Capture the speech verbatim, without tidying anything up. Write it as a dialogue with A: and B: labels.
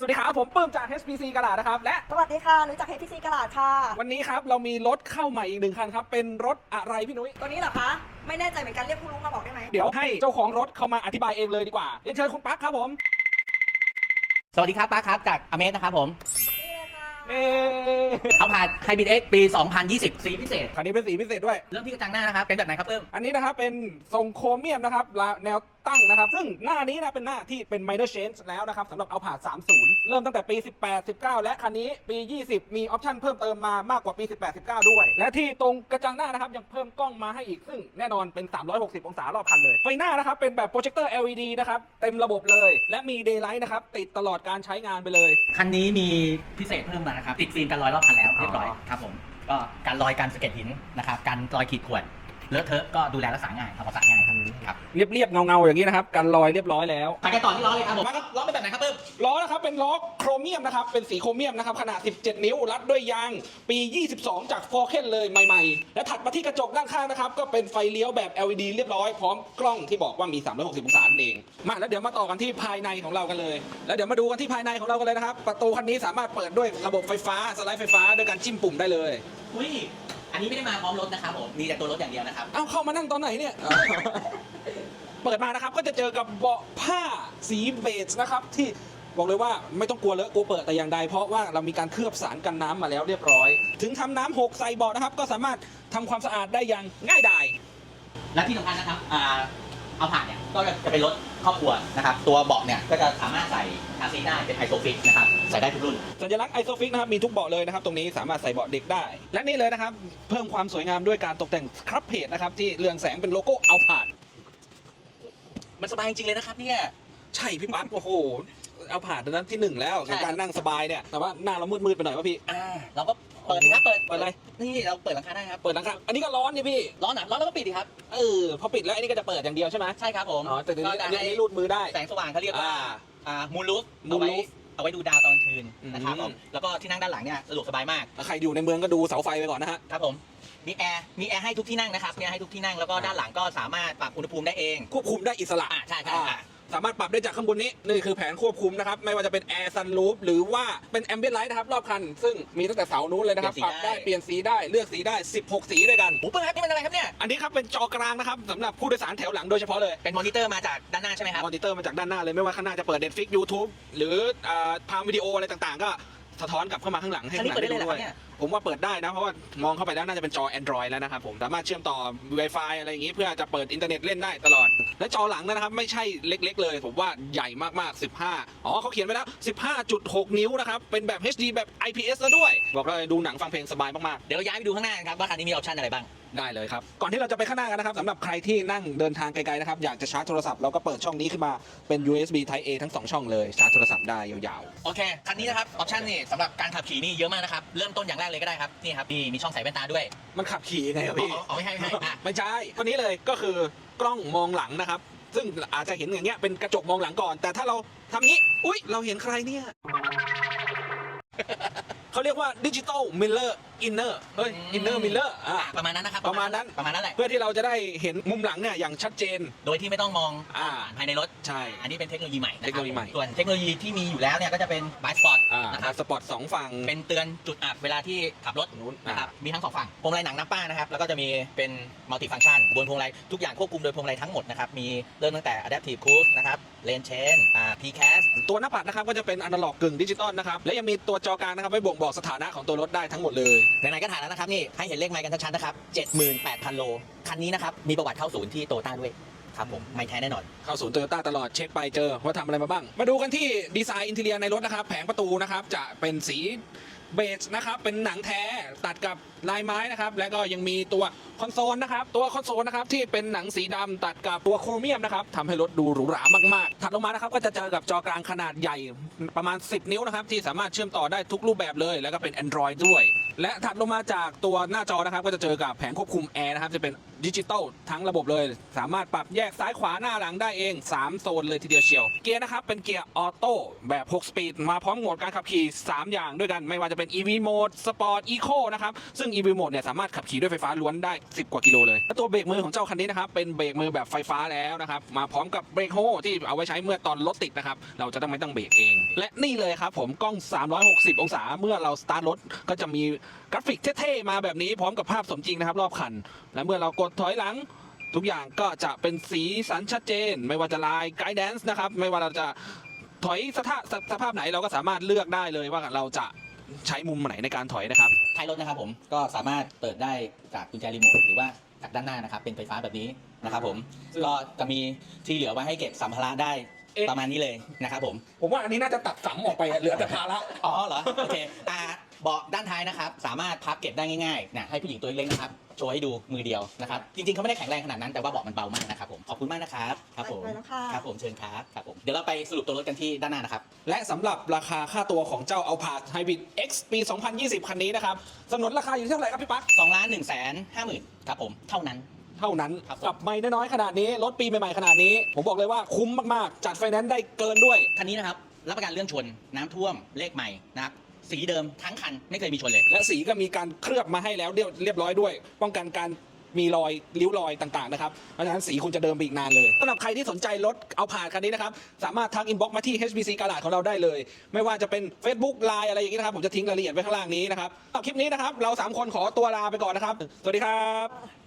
A: วัสดีครับผมปื้มจาก เอช พี ซี กระดาษนะครับและ
B: สวัสดีค่ะนุ้ยจาก เอช พี ซี กระดาษค่ะ
A: วันนี้ครับเรามีรถเข้าใหม่อีกหนึ่งคันครับเป็นรถอะไรพี่นุ้ย
B: ตัวนี้เหรอคะไม่แน่ใจเหมือนกันเรียกผู้รู้มาบอกได้ไหม
A: เดี๋ยวให้เจ้าของรถเข้ามาอธิบายเองเลยดีกว่าเรียนเชิญคุณปั๊กครับผม
C: สวัสดีครับป้าครับจากอเมสนะครับผม
A: เอ๊
C: เอาผ่านไฮบริดเอ็กปี สองพันยี่สิบ สีพิเศษ
A: คันนี้เป็นสีพิเศษด้วย
C: เริ่มที่กระจังหน้านะครับเป็นแบบไหนครับเพิ่ม
A: อันนี้นะครับเป็นทรงโครเมียมนะครับแนวตั้งนะครับซึ่งหน้านี้นะเป็นหน้าที่เป็น minor change แล้วนะครับสำหรับเอาผ่านสามสิบเริ่มตั้งแต่ปี สิบแปด สิบเก้า และคันนี้ปี ยี่สิบ มีออปชั่นเพิ่มเติมมามากกว่าปี สิบแปด สิบเก้า ด้วยและที่ตรงกระจังหน้านะครับยังเพิ่มกล้องมาให้อีกซึ่งแน่นอนเป็นสามร้อยหกสิบองศารอบคันเลยไฟหน้านะครับเป็นแบบโปรเจคเตอร์ แอล อี ดี นะครับเต็มระบบเลยและมี daylight นะครับติดตลอดการใช้งานไปเลย
C: คันนี้มีพิเศษเพิ่มมานะครับติดฟิล์มกันรอยรอบคันแล้วเรียบร้อยครับผมก็การลอยการสะเก็ดหินนะครับการรอยขีดข่วนเลอะเทอะก็ดูแลรักษาง่ายทำความสะอาดง่ายครับ
A: เรียบๆเงาๆอย่างนี้นะครับกันรอยเรียบร้อยแล้ว
C: ไปกันต่อที่ล้อเลยครับผมล้อเป็นแบบไหนครับเพิ่ม
A: ล้อนะครับเป็นล้อโครเมียมนะครับเป็นสีโครเมียมนะครับขนาดสิบเจ็ดนิ้วรัดด้วยยางปี ยี่สิบสอง จากฟอร์เคนเลยใหม่ๆและถัดมาที่กระจกด้านข้างนะครับก็เป็นไฟเลี้ยวแบบ แอล อี ดี เรียบร้อยพร้อมกล้องที่บอกว่ามีสามร้อยหกสิบองศาเองมาแล้วเดี๋ยวมาต่อกันที่ภายในของเรากันเลยแล้วเดี๋ยวมาดูกันที่ภายในของเรากันเลยนะครับประตูคันนี้สามารถเปิดด้วยระบบไฟฟ้าสไลด์ไฟฟ้าด้วยการจิ้มปุ่มได้เลย
C: อุ้ยอันนี้ไม่ได้มาพร้อมรถนะครับผมมีแต่ตัวรถอย่างเดียวนะครับ
A: เอ้าเข้ามานั่งตอนไหนเนี่ย เปิดมานะครับก็จะเจอกับเบาะผ้าสีเบจนะครับที่บอกเลยว่าไม่ต้องกลัวเลอะกลัวเปิดแต่อย่างใดเพราะว่าเรามีการเคลือบสารกันน้ำมาแล้วเรียบร้อยถึงทำน้ำหกใส่เบาะนะครับก็สามารถทำความสะอาดได้อย่างง่ายดาย
C: และที่สำคัญนะครับอ่าเอาผ่านเนี่ยก็จะเป็นรถครอบครัวนะครับตัวเบาะเนี่ยก็จะสามารถใส่คาซีได้เป็นไอโซฟิกนะครับใส่ได้ทุกรุ่น
A: สัญลักษณ์ไอโซฟิกนะครับมีทุกเบาะเลยนะครับตรงนี้สามารถใส่เบาะเด็กได้และนี่เลยนะครับเพิ่มความสวยงามด้วยการตกแต่งครับเพจนะครับที่เรืองแสงเป็นโลโก้เอาผ่าน
C: มันสบายจริงเลยนะครับเนี่ย
A: ใช่พี่ปั๊บโอ้โหเอาผ่านตอนนั้นที่หนึ่งแล้วในการนั่งสบายเนี่ยแต่ว่าหน้าเรามืดๆไปหน่อยป่ะพี่
C: อ่าเราก็เปิดครับเปิด
A: เปิดอะไร
C: นี่เราเปิดหลังคาได้ครับ
A: เปิดหลังคาอันนี้ก็ร้อนนี่พี่
C: ร้อนหนาร้อนแล้วก็ปิดดิครับ
A: เออพอปิดแล้วอันนี้ก็จะเปิดอย่างเดียวใช่ไหม
C: ใช่ครับผม
A: อ๋อแต่ทีนี้อันนี้รูดมือได้
C: แสงสว่างเขาเรียกว่าอ่ามูลลูฟ
A: มูลลูฟ
C: เอาไว้ดูดาวตอนคืนนะครับผมแล้วก็ที่นั่งด้านหลังเนี่ยสะดวกสบายมาก
A: ใครอยู่ในเมืองก็ดูเสาไฟไปก่อนนะฮะ
C: ครับผมมีแอร์มีแอร์ให้ทุกที่นั่งนะครับมีแอร์ให้ทุกที่นั่งแล้วก็ด้านหลังก็สามารถปรับอุณหภูมิได้เอง
A: ควบคุมได้อิสระ
C: ใช่ใช่
A: สามารถปรับได้จากข้างบนนี้นี่คือแผนควบคุมนะครับไม่ว่าจะเป็นแอร์ซันรูฟหรือว่าเป็นแอมเบียนไลท์นะครับรอบคันซึ่งมีตั้งแต่เสานู้นเลยนะครับปรับได้เปลี่ยนสีได้เลือกสีได้สิบหกสีด้วยกัน
C: โอ้เปิ้ลครับนี่มันอะไรครับเนี่ย
A: อันนี้ครับเป็นจอกลางนะครับสำหรับผู้โดยสารแถวหลังโดยเฉพาะเลย
C: เป็นมอนิเตอร์มาจากด้านหน้าใช่ไหมครับ
A: มอนิเตอร์มาจากด้านหน้าเลยไม่ว่าข้างหน้าจะเปิด Netflix YouTube หรือพามวิดีโออะไรต่างๆก็สะท้อนกลับเข้ามาข้างหลังให้ข้างหลังได้ดูด้วยผมว่าเปิดได้นะเพราะว่ามองเข้าไปแล้วน่าจะเป็นจอ Android แล้วนะครับผมสามารถเชื่อมต่อ Wi-Fi อะไรอย่างนี้เพื่อจะเปิดอินเทอร์เน็ตเล่นได้ตลอดและจอหลังนะครับไม่ใช่เล็กๆเลยผมว่าใหญ่มากๆสิบห้าอ๋อเขาเขียนไว้แล้ว สิบห้าจุดหก นิ้วนะครับเป็นแบบ เอช ดี แบบ ไอ พี เอส แล้วด้วยบอกเลยดูหนังฟังเพลงสบายมาก
C: ๆเดี๋ยวย้ายไปดูข้างหน้าครับว่าคันนี้มีออปชั่นอะไรบ้าง
A: ได้เลยครับก่อนที่เราจะไปข้างหน้ากันนะครับสำหรับใครที่นั่งเดินทางไกลๆนะครับอยากจะชาร์จโทรศัพท์เราก็เปิดช่องนี้ขึ้นมาเป็น ยู เอส บี Type A ทั้งสองช่องเลยชาร์จโทรศัพท์ได้ยาว
C: ๆโอเคคันนี้นะครับออปชั่นนี่สำหรับการขับขี่นี่เยอะมากนะครับเริ่มต้นอย่างแรกเลยก็ได้ครับนี่ครับมีมีช่องใส่แว่นตาด้วย
A: มันขับขี่ยังไงครับพี่
C: อ๋อไม่ใช่ไม่ใช่
A: ไม่ใช่ตัวนี้เลยก็คือกล้องมองหลังนะครับซึ่งอาจจะเห็นอย่างเงี้ยเป็นกระจกมองหลังก่อนแต่ถ้าเราทำงี้อุ๊ยเราเห็นใครเนี่ยเขาเรียกว่าดิจิตอลมิลเลอร์อินเนอร์เฮ้ยอินเนอร์มิลเลอร์อ่า
C: ประมาณนั้นนะครับ
A: ประมาณนั้น
C: ประมาณนั้นแหละ
A: เพื่อที่เราจะได้เห็นมุมหลังเนี่ยอย่างชัดเจน
C: โดยที่ไม่ต้องมอง
A: อ่า
C: ภายในรถ
A: ใช่
C: อันนี้เป็นเทคโนโลยีใหม่
A: เทคโนโลยีใหม่
C: ส่วนเทคโนโลยีที่มีอยู่แล้วเนี่ยก็จะเป็นไบสปอร์ต
A: นะครับสปอร์ตสองฝั่ง
C: เป็นเตือนจุดอับเวลาที่ขับรถนะครับมีทั้งสองฝั่งพวงมาลัยหนังน้ำป้านะครับแล้วก็จะมีเป็นมัลติฟังก์ชันบนพวงมาลัยทุกอย่างควบคุมโดยพวงมาลัยทั้งหมดนะครับมีเริ่มตั้งแต่ Adaptive Cruise นะครับเลนเชนอ่า พี แคส
A: ตัวหน้าปัดนะครับก็จะเป็นอนาล็อกกึ่งดิจิตอลนะครับและยังมีตัวจอกลางนะครับไว้บ่งบอกสถานะของตัวรถได้ทั้งหมดเลย
C: ไหนๆก็ถ่ายแล้วนะครับนี่ให้เห็นเลขไมล์กันชัดๆนะครับ เจ็ดหมื่นแปดพัน โลคันนี้นะครับมีประวัติเข้าศูนย์ที่โตโยต้าด้วยครับผมไม่แท้แน่นอน
A: เข้าศูนย์โตโยต้าตลอดเช็คไปเจอว่าทำอะไรมาบ้างมาดูกันที่ดีไซน์อินเทเรียในรถนะครับแผงประตูนะครับจะเป็นสีเบจนะครับเป็นหนังแท้ตัดกับลายไม้นะครับแล้วก็ยังมีตัวคอนโซลนะครับตัวคอนโซลนะครับที่เป็นหนังสีดำตัดกับตัวโครเมียมนะครับทำให้รถดูหรูหรามากๆถัดลงมานะครับก็จะเจอกับจอกลางขนาดใหญ่ประมาณสิบนิ้วนะครับที่สามารถเชื่อมต่อได้ทุกรูปแบบเลยแล้วก็เป็น Android ด้วยและถัดลงมาจากตัวหน้าจอนะครับก็จะเจอกับแผงควบคุมแอร์นะครับจะเป็นดิจิตอลทั้งระบบเลย สามารถปรับแยกซ้ายขวาหน้าหลังได้เองสามโซนเลยทีเดียวเชียวเกียร์นะครับเป็นเกียร์ออโต้แบบหกสปีดมาพร้อมโหมดการขับขี่สามอย่างด้วยกันไม่ว่าจะเป็น อี วี Mode Sport Eco นะครับซึ่ง อี วี Mode เนี่ยสามารถขับขี่ด้วยไฟฟ้าล้วนได้สิบกว่ากิโลเลยและตัวเบรกมือของเจ้าคันนี้นะครับเป็นเบรกมือแบบไฟฟ้าแล้วนะครับมาพร้อมกับเบรกโฮที่เอาไว้ใช้เมื่อตอนรถติดนะครับเราจะต้องไม่ต้องเบรกเองและนี่เลยครับผมกล้องสามร้อยหกสิบองศาเมื่อเราสตาร์ทรถก็จะมีกราฟิกเท่ๆมาแบบนี้พร้อมกับภาพสมจริงนะครับรอบคันและเมื่อเรากดถอยหลังทุกอย่างก็จะเป็นสีสันชัดเจนไม่ว่าจะลายไกด์แดนซ์นะครับไม่ว่าเราจะถอยสภาพสภาพไหนเราก็สามารถเลือกได้เลยว่าเราจะใช้มุมไหนในการถอยนะครับ
C: ท้ายรถนะครับผมก็สามารถเปิดได้จากกุญแจรีโมทหรือว่าจากด้านหน้านะครับเป็นไฟฟ้าแบบนี้นะครับผมก็จะมีที่เหลือไว้ให้เก็บสัมภาระได้
A: เอ๊ะ
C: ประมาณนี้เลยนะครับผม
A: ผมว่าอันนี้น่าจะตัดสัมออกไปอะเหลือแต่ภาระ
C: อ๋อเหรอโอเคอ่าเบาะด้านท้ายนะครับสามารถพับเก็บได้ง่ายๆนะให้ผู้หญิงตัวเล็กๆนะครับโชว์ให้ดูมือเดียวนะครับจริงๆเขาไม่ได้แข็งแรงขนาดนั้นแต่ว่าเบาะมันเบามากนะครับผมขอบคุณมากนะครับครับผม
B: ไปแล้วค่ะ
C: ครับผมเชิญครับครับผมเดี๋ยวเราไปสรุปตัวรถกันที่ด้านหน้านะครับ
A: และสำหรับราคาค่าตัวของเจ้า Alphard Hybrid X ปี สองพันยี่สิบ คันนี้นะครับสำนวนราคาอยู่ที่เท่าไหร่ครับพี่ปั๊ก
C: สองล้านหนึ่งแสนห้าหมื่นครับผมเท่านั้น
A: เท่านั้น
C: ครับผม
A: กับไม่น้อยๆขนาดนี้รถปีใหม่ๆขนาดนี้ ผมบอกเลยว่าคุ้มมากๆ จัดไฟแนนซ์ได้เกินด้วย
C: คันนี้นะครับรับประกันเรื่องชนน้ำท่วมเลขใหม่นะครับสีเดิมทั้งคันไม่เคยมีชนเลย
A: และสีก็มีการเคลือบมาให้แล้วเรียบเรียบร้อยด้วย ป้องกันการมีรอยริ้วรอยต่างๆนะครับเพราะฉะนั้นสีคุณจะเดิมไปอีกนานเลยสำหรับใครที่สนใจรถเอาผ่านคันนี้นะครับสามารถทักอินบ็อกซ์มาที่ เอช บี ซี Garage ของเราได้เลย ไม่ว่าจะเป็น Facebook ไลน์ อะไรอย่างนี้นะครับผมจะทิ้งรายละเอียดไว้ข้างล่างนี้นะครับคลิปนี้นะครับเราสามคนขอตัวลาไปก่อนนะครับสวัสดีครับ